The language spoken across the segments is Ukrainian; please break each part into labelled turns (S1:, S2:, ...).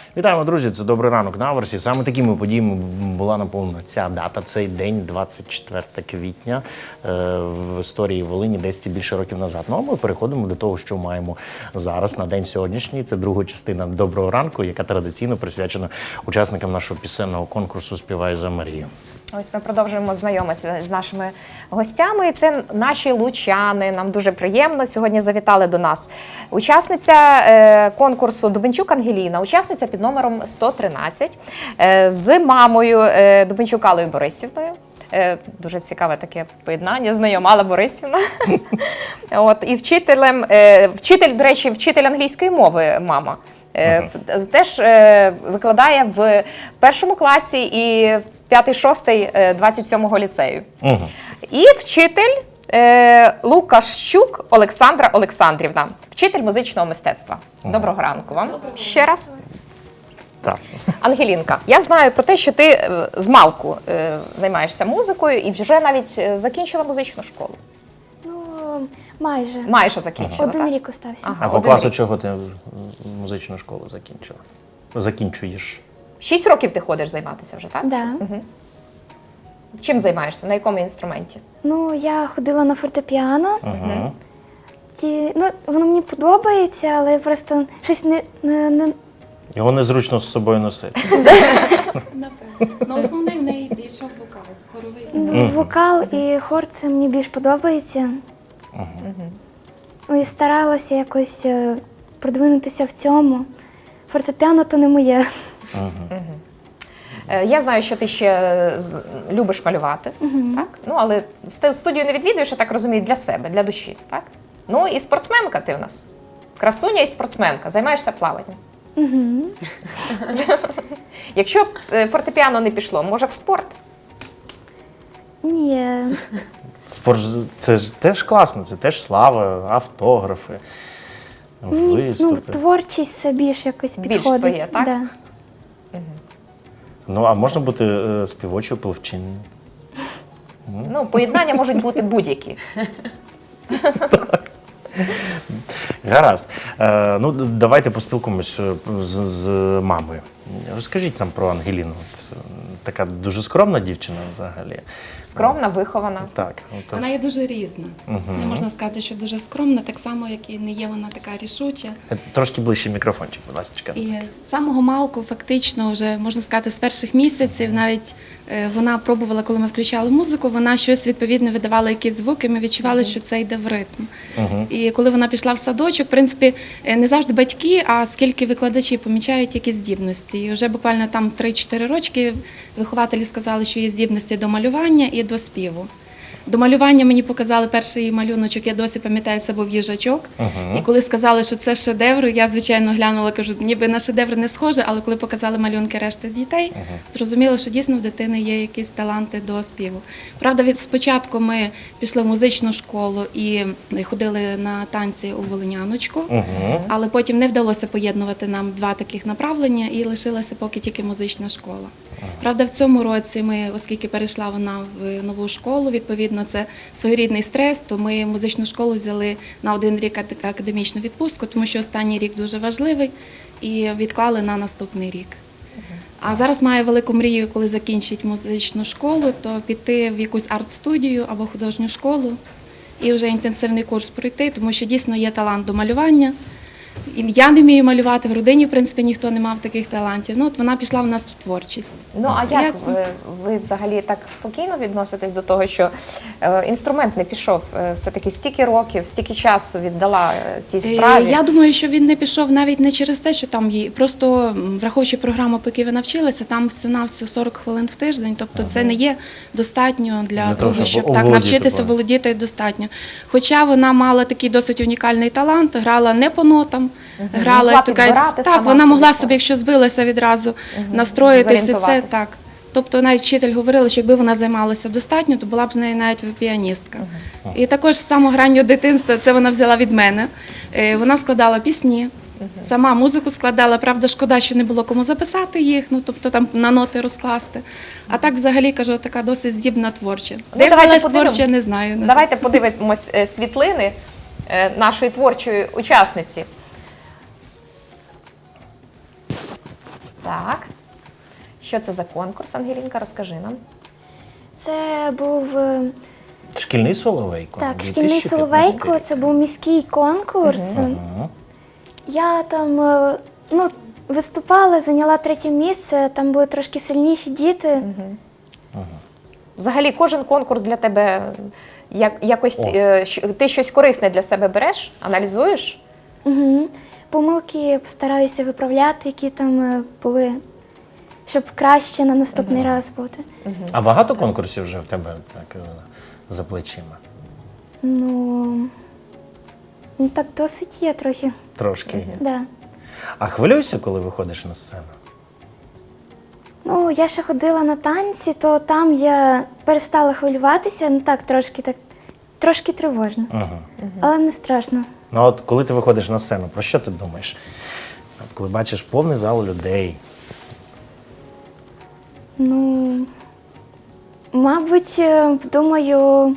S1: Вітаємо, друзі! Це «Добрий ранок» на Аверсі. Саме такими подіями була наповнена ця дата, цей день, 24 квітня, в історії Волині 10 і більше років назад. Ну, а ми переходимо до того, що маємо зараз, на день сьогоднішній. Це друга частина «Доброго ранку», яка традиційно присвячена учасникам нашого пісенного конкурсу «Співай за Марію».
S2: Ось ми продовжуємо знайомитися з нашими гостями. Це наші лучани. Нам дуже приємно. Сьогодні завітали до нас учасниця конкурсу Дубенчук Ангеліна, учасниця під номером 113, з мамою Дубенчук Аллою Борисівною. Дуже цікаве таке поєднання, знайома Алла Борисівна. І вчителем, до речі, вчитель англійської мови мама. Теж викладає в першому класі і 5-6 27-го ліцею. І вчитель Лукащук Олександра Олександрівна, вчитель музичного мистецтва. Доброго ранку вам ще раз.
S1: Так.
S2: Ангелінка, я знаю про те, що ти з малку займаєшся музикою і вже навіть закінчила музичну школу.
S3: Ну, майже.
S2: Майже закінчила,
S3: Один
S2: так?
S3: рік остався.
S2: Ага,
S1: А по
S2: один
S1: класу
S2: рік.
S1: чого ти музичну школу закінчила? Закінчуєш?
S2: 6 років ти ходиш займатися вже, так?
S3: Да.
S2: Чим займаєшся? На якому інструменті?
S3: Ну, я ходила на фортепіано. Ну, воно мені подобається, але просто щось не...
S1: Його незручно з собою носити.
S4: Напевно. Ну, основний в неї йшов вокал, хоровий спів.
S3: Ну, вокал і хор це мені більш подобається. Ну, і старалася якось продвинутися в цьому. Фортепіано то не моє.
S2: Я знаю, що ти ще любиш малювати, так? Ну, але студію не відвідуєш, я так розумію, для себе, для душі, так? Ну, і спортсменка ти в нас. Красуня і спортсменка. Займаєшся плаванням. Якщо б фортепіано не пішло, може в спорт?
S3: Ні.
S1: Спорт – це ж теж класно, це теж слава, автографи,
S3: Ну,
S1: виступи.
S3: творчість це більш якось
S2: Більш
S3: підходить.
S2: твоє, так?
S3: Да.
S1: Ну, а можна бути співочою, пливчиною?
S2: Ну, поєднання можуть бути будь-які.
S1: Гаразд. Ну, давайте поспілкуємось з мамою. Розкажіть нам про Ангеліну. Це така дуже скромна дівчина взагалі.
S2: Скромна, вихована.
S1: Так.
S4: Вона є дуже різна. Не можна сказати, що дуже скромна, так само, як і не є вона така рішуча.
S1: Трошки ближче мікрофончик, будь ласка.
S4: І з самого малку, фактично, вже, можна сказати, з перших місяців, навіть вона пробувала, коли ми включали музику, вона щось відповідно видавала, якісь звуки, ми відчували, що це йде в ритм. І коли вона пішла в садочок, в принципі, не завжди батьки, а скільки викладачі помічають якісь здібності. І вже буквально там 3-4 рочки вихователі сказали, що є здібності до малювання і до співу. До малювання мені показали перший її малюночок, я досі пам'ятаю, це був їжачок. І коли сказали, що це шедевр, я, звичайно, глянула, кажу, ніби на шедевр не схоже, але коли показали малюнки решти дітей, зрозуміло, що дійсно в дитини є якісь таланти до співу. Правда, спочатку ми пішли в музичну школу і ходили на танці у Волиняночку, але потім не вдалося поєднувати нам два таких направлення і лишилася поки тільки музична школа. Правда, в цьому році ми, оскільки перейшла вона в нову школу, відповідно, це своєрідний стрес, то ми музичну школу взяли на 1 рік академічну відпустку, тому що останній рік дуже важливий, і відклали на наступний рік. А зараз має велику мрію, коли закінчить музичну школу, то піти в якусь арт-студію або художню школу і вже інтенсивний курс пройти, тому що дійсно є талант до малювання. І я не вмію малювати, в родині, в принципі, ніхто не мав таких талантів. Ну, от вона пішла в нас в творчість.
S2: Ну, а як ви взагалі так спокійно відноситесь до того, що інструмент не пішов? Все-таки стільки років, стільки часу віддала цій справі?
S4: Я думаю, що він не пішов навіть не через те, що там її, просто враховуючи програму, поки ви навчилися, там всього-навсього 40 хвилин в тиждень, тобто це не є достатньо для того, щоб так навчитися, володіти достатньо. Хоча вона мала такий досить унікальний талант, грала не по нотам, грала, як то кажуть, так, вона могла собі, якщо збилася відразу, настроїтися, це так. Тобто навіть вчитель говорила, що якби вона займалася достатньо, то була б з нею навіть піаністка. І також з самого раннього дитинства, це вона взяла від мене, вона складала пісні, сама музику складала, правда, шкода, що не було кому записати їх, ну, тобто там на ноти розкласти. А так взагалі, кажу, така досить здібна творча. Де взялась творча, не знаю.
S2: Давайте подивимось світлини нашої творчої учасниці. Так. Що це за конкурс, Ангелінка? Розкажи нам.
S3: Це був
S1: Шкільний Соловейко.
S3: так, шкільний
S1: 2015
S3: Соловейко,
S1: рік.
S3: це був міський конкурс. Я там виступала, зайняла 3 місце, там були трошки сильніші діти.
S2: Взагалі, кожен конкурс для тебе якось ти щось корисне для себе береш, аналізуєш?
S3: Угу. Помилки постараюся виправляти, які там були, щоб краще на наступний раз бути.
S1: А багато конкурсів вже в тебе так за плечима?
S3: Ну так досить є трохи.
S1: Трошки є.
S3: Да.
S1: А хвилюєшся, коли виходиш на сцену?
S3: Ну, я ще ходила на танці, то там я перестала хвилюватися, ну так, трошки тривожно. Але не страшно.
S1: Ну от коли ти виходиш на сцену, про що ти думаєш? От коли бачиш повний зал людей.
S3: Ну, мабуть, думаю.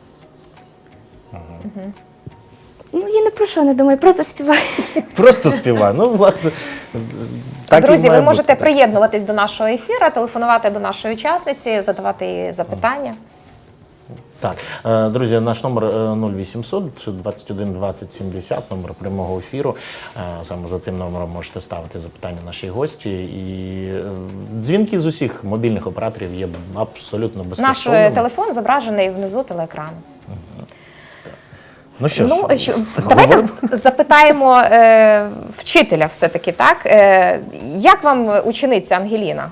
S3: Ну, я не про що не думаю, просто співаю.
S1: Просто співай. Ну, власне, так і
S2: Друзі,
S1: має
S2: ви можете
S1: бути, так.
S2: приєднуватись до нашого ефіру, телефонувати до нашої учасниці, задавати їй запитання.
S1: Так, друзі, наш номер 0800 21 20 70, номер прямого ефіру. Саме за цим номером можете ставити запитання нашій гості. І дзвінки з усіх мобільних операторів є абсолютно
S2: Наш
S1: безкоштовними.
S2: телефон зображений внизу телеекрану.
S1: Ну що ж,
S2: Давайте
S1: говоримо?
S2: запитаємо вчителя все-таки, так? Як вам учениця Ангеліна?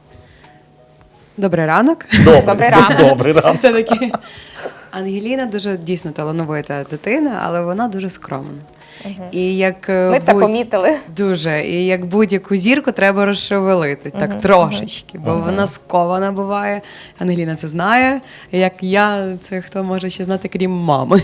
S5: Добрий ранок.
S2: Добрий ранок.
S1: Добрий ранок.
S5: Все-таки Ангеліна дуже дійсно талановита дитина, але вона дуже скромна. І як
S2: Ми це помітили.
S5: Дуже. І як будь-яку зірку треба розшевелити, так трошечки, бо вона скована буває. Ангеліна це знає. Як я, це хто може ще знати, крім мами.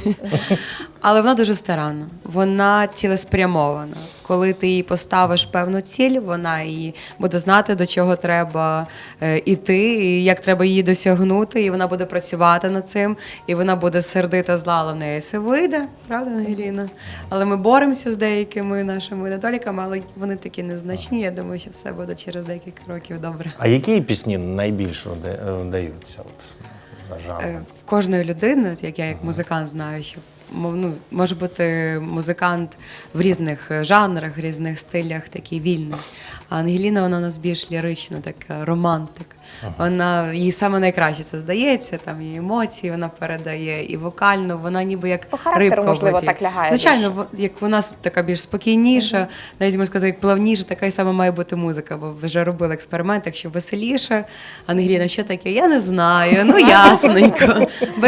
S5: Але вона дуже старанна, вона цілеспрямована. Коли ти їй поставиш певну ціль, вона її буде знати, до чого треба іти, і як треба її досягнути, і вона буде працювати над цим, і вона буде сердита зла, але в неї все вийде, правда, Ангеліна? Але ми боремося з деякими нашими недоліками, але вони такі незначні. Я думаю, що все буде через декілька років добре.
S1: А які пісні найбільше вдаються от, за жанром?
S5: В кожної людини, от як я як музикант знаю, що може бути музикант в різних жанрах, в різних стилях, такий вільний. А Ангеліна, вона у нас більш лірична, така романтик. Вона, їй саме найкраще це здається, там її емоції вона передає, і вокально, вона ніби як
S2: По характеру,
S5: рибка в
S2: можливо,
S5: воді.
S2: так лягає
S5: Звичайно, як вона така більш спокійніша, навіть можна сказати, як плавніша, така і сама має бути музика, бо вже робили експеримент, якщо веселіше. Ангеліна, що таке? Я не знаю, ну ясненько.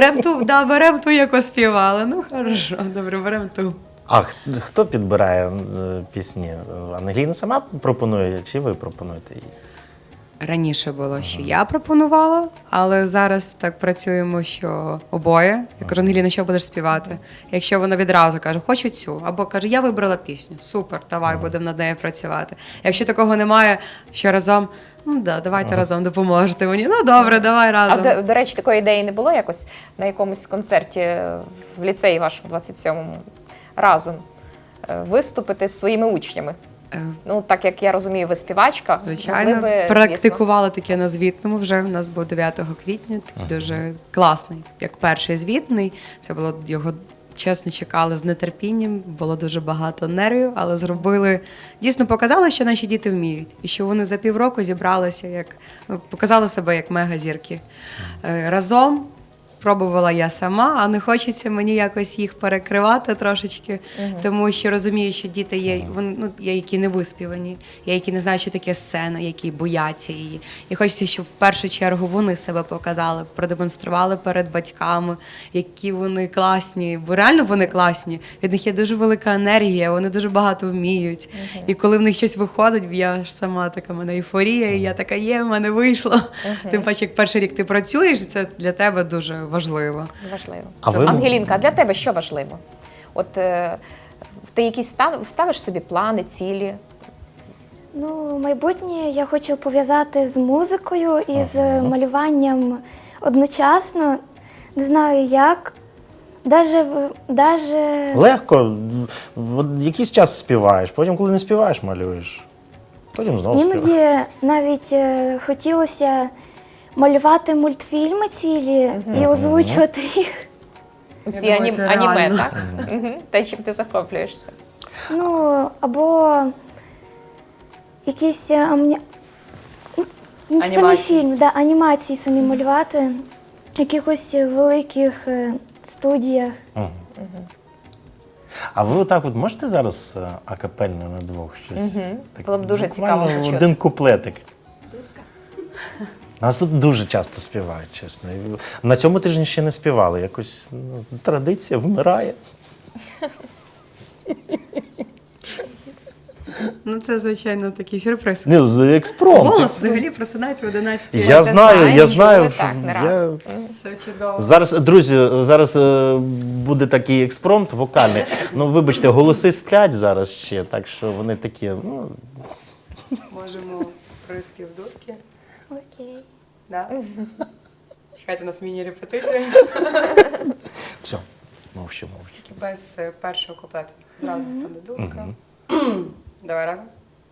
S5: Берем ту, яку співали. Ну, хорошо, добре, беремо ту.
S1: А хто підбирає пісні? Ангеліна сама пропонує, чи ви пропонуєте їй?
S5: Раніше було, що я пропонувала, але зараз так працюємо, що обоє. Я кажу, Ангеліна, що будеш співати? Якщо вона відразу каже, хочу цю, або каже, я вибрала пісню, супер, давай, будемо над нею працювати. Якщо такого немає, що разом, ну да, давайте разом допоможете мені. Ну добре, давай разом.
S2: А до речі, такої ідеї не було якось на якомусь концерті в ліцеї вашому 27-му разом виступити з своїми учнями? Ну, так як я розумію, ви співачка.
S5: Звичайно,
S2: могли би,
S5: практикувала таке на звітному вже. У нас був 9 квітня, такий дуже класний, як перший звітний. Це було його, чесно, чекали з нетерпінням, було дуже багато нервів, але зробили, дійсно показали, що наші діти вміють. І що вони за півроку зібралися, показали себе як мегазірки. Разом пробувала я сама, а не хочеться мені якось їх перекривати трошечки, тому що розумію, що діти є, є, які не виспівані, є, які не знають, що таке сцена, які бояться її. І хочеться, щоб в першу чергу вони себе показали, продемонстрували перед батьками, які вони класні, бо реально вони класні. Від них є дуже велика енергія, вони дуже багато вміють. І коли в них щось виходить, я ж сама така, в мене ейфорія, і я така, в мене вийшло. Тим паче, як перший рік ти працюєш, і це для тебе дуже важливо.
S2: Важливо.
S1: А ви-
S2: Ангелінка, а для тебе що важливо? От ти якісь ставиш собі плани, цілі?
S3: Ну, майбутнє я хочу пов'язати з музикою і з малюванням одночасно. Не знаю як. Даже...
S1: Легко. От якийсь час співаєш, потім, коли не співаєш, малюєш. Потім знову співаєш.
S3: Іноді навіть хотілося малювати мультфільми цілі і озвучувати їх.
S2: Ці
S5: Я думаю, це
S2: аніме,
S5: реально.
S2: так? Те, чим ти захоплюєшся.
S3: Ну, або якісь самі
S5: Анімації.
S3: фільми, да, анімації самі малювати в якихось великих студіях.
S1: А ви отак от можете зараз акапельно на двох щось? Так,
S2: Було б дуже
S1: буквально
S2: цікаво почути.
S1: один куплетик. Нас тут дуже часто співають, чесно. І на цьому тижні ще не співали. Якось традиція вмирає.
S5: Ну, це, звичайно, такий сюрприз.
S1: Ні, з експромт.
S5: Голос взагалі просинається в 11
S1: Я знаю, я знаю.
S2: Так, не
S1: я-
S2: раз.
S5: Це чудово.
S1: Зараз, друзі, зараз буде такий експромт вокальний. Ну, вибачте, голоси сплять зараз ще, так що вони такі, ну,
S5: Можемо приспів дудки.
S3: Окей.
S5: Да? Чекайте, у нас міні-репетиція.
S1: все, мовчу.
S5: Тільки без першого куплету. Зразу буде дудка. Давай разом.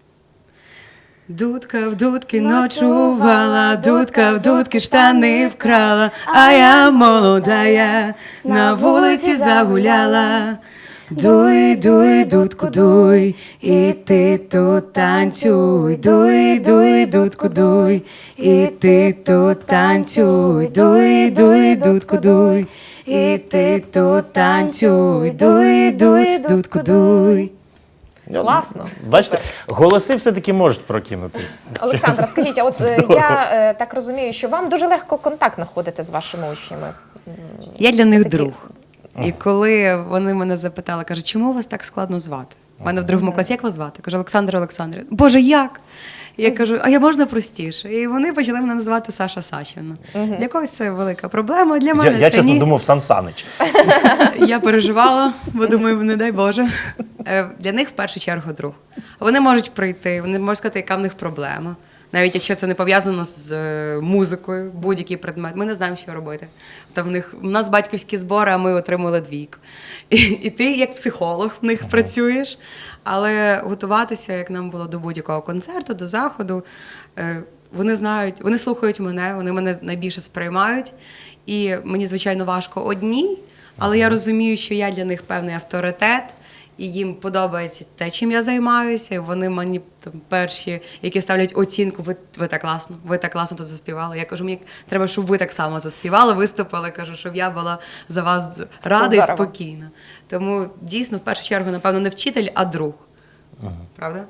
S5: Дудка в дудки ночувала, дудка в дудки штани вкрала, а я молодая на вулиці загуляла. Дуй, дуй, дудку, дуй, і ти тут танцюй. Дуй, дуй, дудку, дуй, і ти тут танцюй. Дуй, дуй, дудку, дуй, і ти тут танцюй. Дуй, дуй, дудку, дуй.
S2: Класно.
S1: Бачите, голоси все-таки можуть прокинутись.
S2: Олександра, скажіть, а от я так розумію, що вам дуже легко контакт знаходити з вашими учнями.
S5: Я для них
S2: Все-таки-
S5: друг. І коли вони мене запитали, кажуть, чому вас так складно звати? У мене в другому класі, як вас звати? Я кажу, Олександр Олександрівна. Боже, як? Я кажу, а я можна простіше? І вони почали мене називати Саша Сачівна. Для когось це велика проблема, для мене
S1: Я
S5: це
S1: чесно
S5: ні.
S1: думав, Сан Санич.
S5: Я переживала, бо думаю, не дай Боже. Для них в першу чергу друг. Вони можуть прийти, вони можуть сказати, яка в них проблема. Навіть якщо це не пов'язано з музикою, будь-який предмет, ми не знаємо, що робити. Там у нас батьківські збори, а ми отримали двійку. І ти, як психолог, в них працюєш, але готуватися, як нам було до будь-якого концерту, до заходу, вони знають, вони слухають мене, вони мене найбільше сприймають. І мені, звичайно, важко одній, але я розумію, що я для них певний авторитет, і їм подобається те, чим я займаюся. І вони мені там, перші, які ставлять оцінку, ви так класно тут заспівали. Я кажу, мені треба, щоб ви так само заспівали, виступили, кажу, щоб я була за вас рада і
S2: здорово.
S5: спокійна. Тому дійсно, в першу чергу, напевно, не вчитель, а друг. Правда?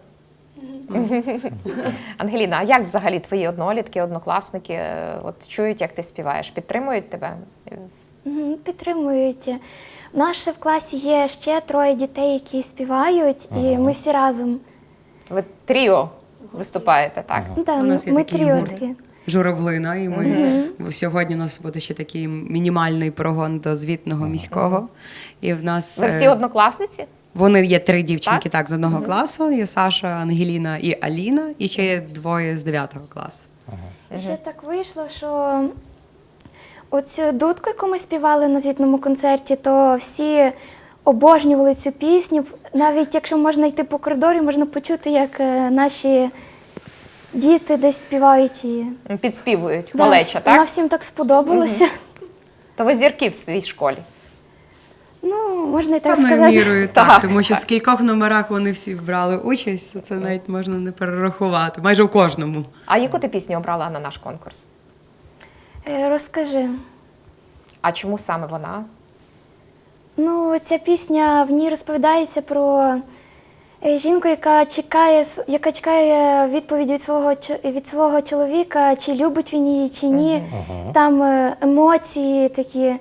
S2: Ангеліна, а як взагалі твої однолітки, однокласники от чують, як ти співаєш? Підтримують тебе?
S3: Підтримують. У нас ще в класі є ще 3 дітей, які співають, і ми всі разом.
S2: Ви тріо виступаєте, так?
S3: Ну, так,
S5: У нас є
S3: ми
S5: такий
S3: тріо
S5: гурт.
S3: такі.
S5: Журавлина, і ми сьогодні у нас буде ще такий мінімальний прогон до звітного міського. І в нас
S2: Ви всі однокласниці?
S5: вони є 3 дівчинки так з одного класу. Є Саша, Ангеліна і Аліна, і ще є 2 з 9 класу.
S3: Ще так вийшло, що оцю дудку, яку ми співали на звітному концерті, то всі обожнювали цю пісню. Навіть якщо можна йти по коридорі, можна почути, як наші діти десь співають її.
S2: Підспівують,
S3: Да,
S2: малеча,
S3: Вона
S2: так?
S3: всім так сподобалася.
S2: То ви зірки в своїй школі.
S3: Ну, можна і так
S5: Певною
S3: сказати.
S5: мірою так,
S2: Так.
S5: тому що в скількох номерах вони всі брали участь, це навіть можна не перерахувати, майже у кожному.
S2: А яку ти пісню обрала на наш конкурс?
S3: Розкажи.
S2: А чому саме вона?
S3: Ну, ця пісня, в ній розповідається про жінку, яка чекає відповідь від свого чоловіка, чи любить він її, чи ні. Там емоції такі.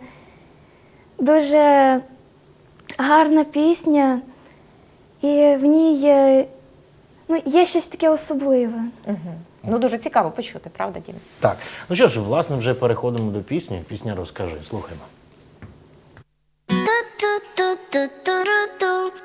S3: Дуже гарна пісня, і в ній є щось таке особливе.
S2: Ну, дуже цікаво почути, правда, Дім?
S1: Так, ну що ж, власне, вже переходимо до пісні. Пісня «Розкажи». Слухаймо.
S6: Ту-ту-ту-ту-ру-ту.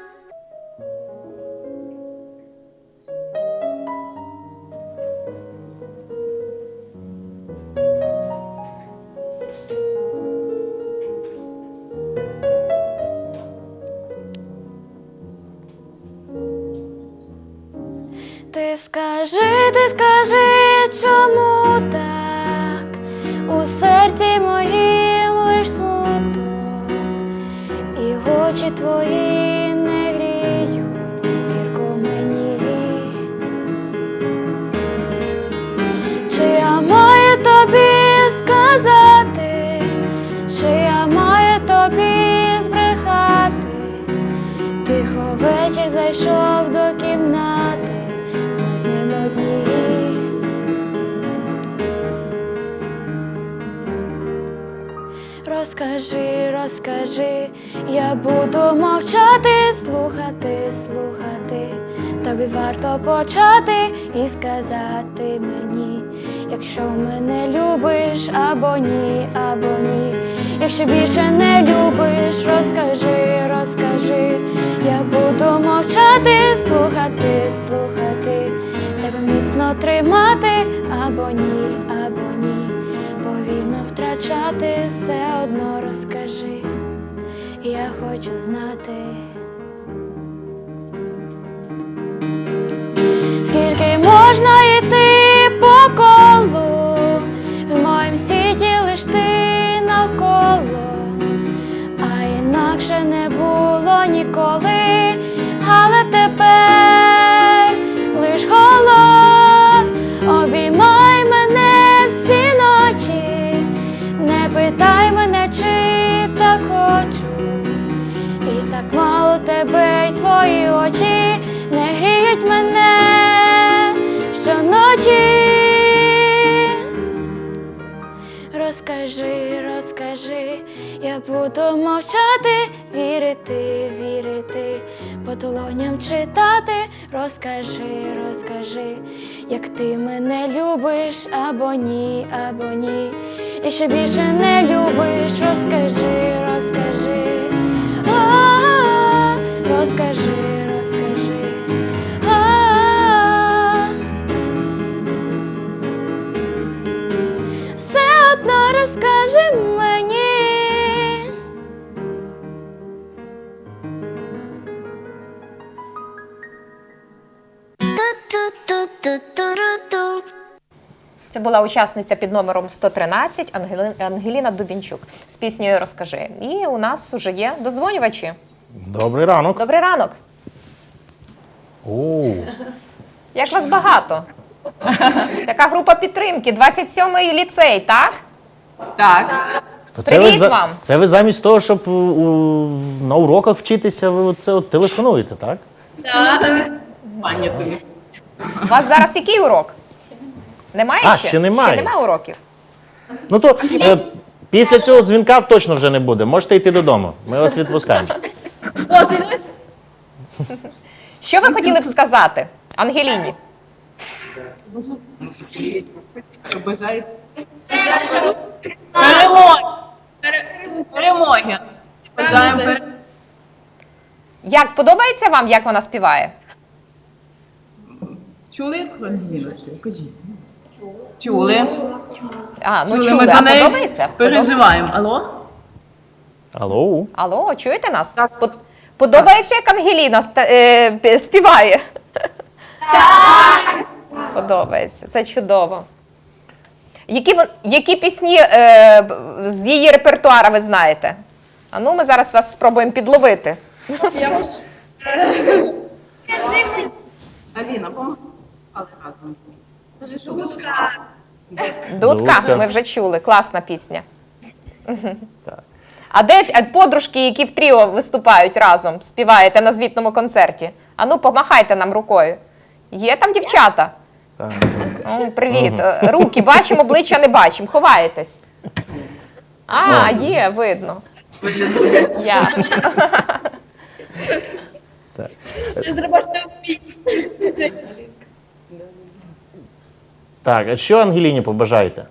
S3: Ти скажи, чому так? У серці моїм лиш смуток, і очі твої не гріють гірко мені. Чи я маю тобі сказати, чи я маю тобі збрехати? Тихо вечір зайшов до кімнати, ми з ним одні. Розкажи, я буду мовчати, слухати. Тобі варто почати і сказати мені, якщо мене любиш або ні. Якщо більше не любиш, розкажи, я буду мовчати, слухати, тебе міцно тримати або ні, повільно втрачати, все одно розкажи, я хочу знати. Скільки можна йти по колу, в моїм світі лиш ти навколо, а інакше не було ніколи, але тепер лиш холод обіймай мене всі ночі, не питай мене, чи так хочу, і так мало тебе, й твої очі не гріють мене щоночі. Розкажи, я буду мовчати, вірити, по долоням читати. Розкажи, як ти мене любиш або ні. Якщо більше не любиш, розкажи. Розкажи. Все одно розкажи мені.
S2: Це була учасниця під номером 113 Ангеліна Дубінчук з піснею «Розкажи». І у нас вже є додзвонювачі.
S1: Добрий ранок.
S2: Добрий ранок.
S1: О,
S2: Як вас багато? Така група підтримки, 27-й ліцей, так?
S1: то
S2: Привіт вам.
S1: Це ви замість того, щоб на уроках вчитися, ви це от телефонуєте, так?
S2: У вас зараз який урок? Немає ще?
S1: ще немає.
S2: Ще немає уроків?
S1: Ну то після цього дзвінка точно вже не буде. Можете йти додому. Ми вас відпускаємо.
S2: Що ви хотіли б сказати Ангеліні?
S6: Перемоги. Бажаємо перемоги.
S2: Як подобається вам, як вона співає?
S6: Чули, як Ангеліна співає? Кажіть. Чули.
S2: Ну
S6: Чули.
S2: чули,
S6: Ми
S2: а
S6: за неї
S2: подобається?
S6: переживаємо. Алло?
S1: Алло.
S2: Алло, чуєте нас? Подобається, як Ангеліна співає? Так! Подобається, це чудово. Які пісні з її репертуара ви знаєте? А ну, ми зараз вас спробуємо підловити.
S6: Аліна, помогли разом. Кажи, що ви
S2: Дудка, ми вже чули, класна пісня. А де подружки, які в тріо виступають разом, співаєте на звітному концерті? А ну, помахайте нам рукою. Є там дівчата?
S1: Так.
S2: Привіт. Руки бачимо, обличчя не бачимо. Ховаєтесь. Є, видно. Ясно.
S1: Так, а що Ангеліні побажаєте?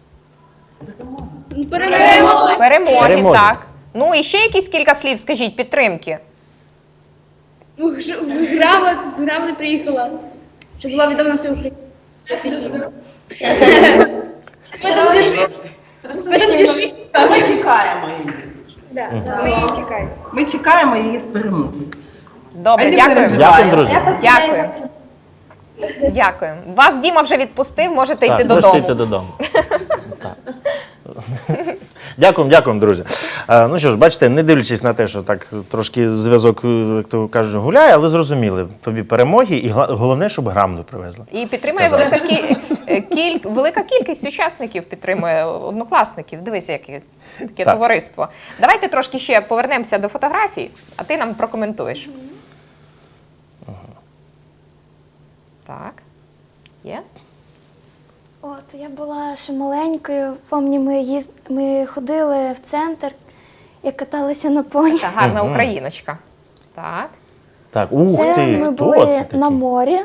S2: Перемоги, так. Ну, і ще якісь кілька слів, скажіть, підтримки.
S7: З грамоти приїхала, щоб була відома вся Україна.
S6: Ми чекаємо її. Ми чекаємо її з перемоги.
S2: Добре,
S6: А не
S2: дякую.
S6: переживай.
S1: Дякую, друзі.
S2: Дякую. Дякую. Вас Діма вже відпустив, можете йти
S1: можете
S2: додому.
S1: йти додому. Так. Дякуємо, друзі. Ну що ж, бачите, не дивлячись на те, що так трошки зв'язок, як то кажуть, гуляє, але зрозуміли тобі перемоги і головне, щоб грамоту привезли.
S2: І підтримує велика кількість учасників, підтримує однокласників. Дивися, яке таке
S1: Так.
S2: товариство. Давайте трошки ще повернемося до фотографій, а ти нам прокоментуєш. Так. Є?
S3: От, я була ще маленькою, пам'ятаю, ми ходили в центр і каталися на поні.
S2: Та гарна україночка. Так.
S1: Так, ух
S3: Це
S1: ти,
S3: ми
S1: хто
S3: були
S1: це такий?
S3: на морі.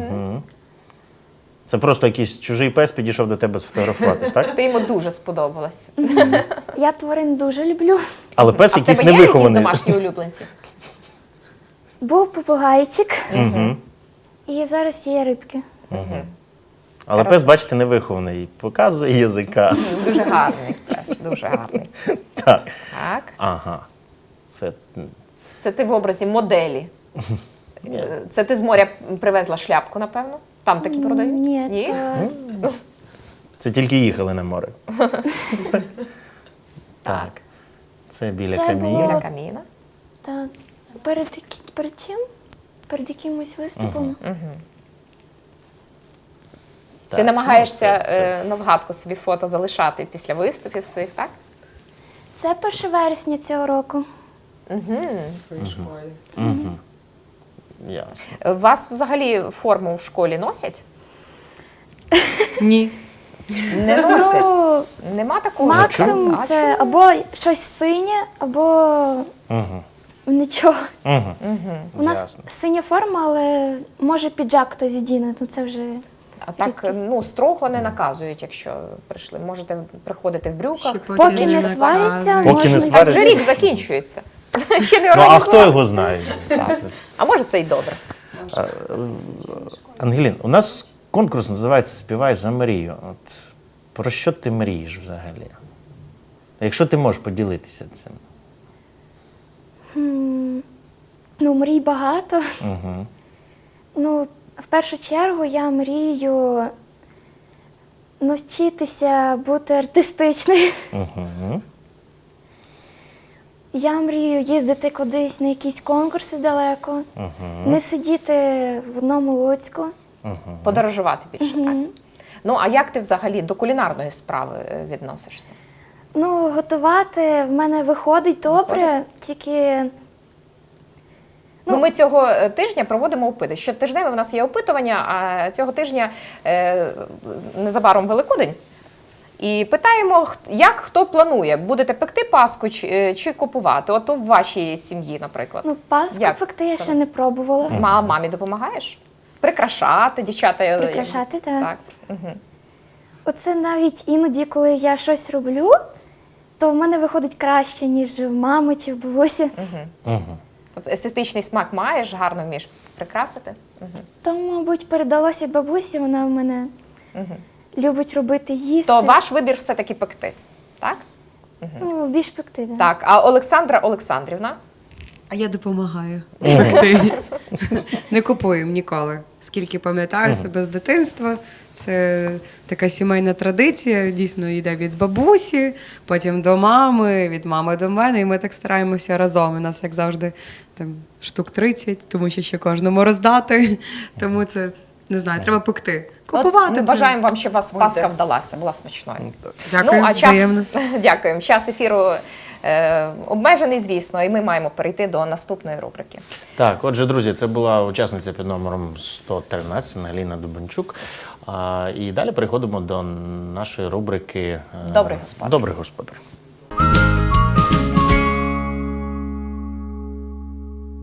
S1: Це просто якийсь чужий пес підійшов до тебе сфотографуватись, так?
S2: Ти йому дуже сподобалась.
S3: Я тварин дуже люблю.
S1: Але пес
S2: А в
S1: якийсь
S2: тебе є якісь
S1: невихований.
S2: домашні улюбленці?
S3: Був попугайчик. І зараз є рибки.
S1: Але пес, бачите, невихований. Показує язика.
S2: Дуже гарний пес, дуже гарний.
S1: Так.
S2: Так.
S1: Ага. Це
S2: Це ти в образі моделі. Це ти з моря привезла шляпку, напевно? Там такі продають?
S3: Ні,
S1: Це тільки їхали на море. Так. Це біля
S3: Це
S1: каміння.
S3: було-
S2: Біля каміна.
S3: та перед чим? Перед якимось виступом.
S1: Так,
S2: Ти намагаєшся
S1: ну, це-
S2: на згадку собі фото залишати після виступів своїх, так?
S3: Це 1 вересня цього року.
S1: Ясно.
S2: Вас взагалі форму в школі носять?
S5: Ні.
S2: Не носять.
S3: Ну,
S2: Нема такого?
S3: максимум
S2: А
S3: це або щось синє, або нічого. У нас
S1: Ясно.
S3: синя форма, але може піджак хтось одіне, то це вже
S2: А так,
S3: рідкість.
S2: ну, строго не наказують, якщо прийшли. Можете приходити в брюках.
S5: Ще
S3: Поки не
S5: не
S3: сваряться,
S1: Поки
S3: можна.
S1: не
S2: Так
S1: сваряться.
S2: вже рік закінчується. Ще не
S1: Ну, а
S2: організували.
S1: хто його знає?
S2: А може це й добре.
S1: Ангелін, у нас конкурс називається «Співай за мрію». От про що ти мрієш взагалі? Якщо ти можеш поділитися цим.
S3: Ну, мрій багато. Ну, в першу чергу я мрію навчитися бути артистичною. Я мрію їздити кудись на якісь конкурси далеко, не сидіти в одному Луцьку.
S2: Подорожувати більше, так? Ну, а як ти взагалі до кулінарної справи відносишся?
S3: Ну, готувати в мене виходить добре, тільки
S2: Ну, ми цього тижня проводимо опити. Щотижневе в нас є опитування, а цього тижня незабаром Великодень. І питаємо, як хто планує, будете пекти паску чи купувати? От у вашій сім'ї, наприклад.
S3: ну, паску
S2: Як?
S3: пекти я ще не пробувала.
S2: Мамі допомагаєш? Прикрашати, дівчата.
S3: Прикрашати, так.
S2: Так. Угу.
S3: Оце навіть іноді, коли я щось роблю, то в мене виходить краще, ніж в мами чи в бабусі.
S2: От естетичний смак маєш, гарно вмієш прикрасити.
S3: То, мабуть, передалося від бабусі, вона в мене любить робити їсти.
S2: То ваш вибір все-таки пекти, так?
S3: Ну, більш пекти, так.
S2: Так, а Олександра Олександрівна?
S5: А я допомагаю пекти. Не купуємо ніколи. Скільки пам'ятаю себе з дитинства, це така сімейна традиція, дійсно йде від бабусі, потім до мами, від мами до мене, і ми так стараємося разом. У нас, як завжди, там штук 30, тому що ще кожному роздати. Тому це, не знаю, треба пекти. Купувати
S2: От,
S5: це.
S2: ми бажаємо вам, щоб у вас паска вдалася, була смачною.
S5: Дякую,
S2: ну, а час,
S5: взаємно.
S2: дякуємо. Час ефіру обмежений, звісно, і ми маємо перейти до наступної рубрики.
S1: Так, отже, друзі, це була учасниця під номером 113 Ангеліна Дубенчук. І далі переходимо до нашої рубрики
S2: Добрий господар.
S1: Добрий господар.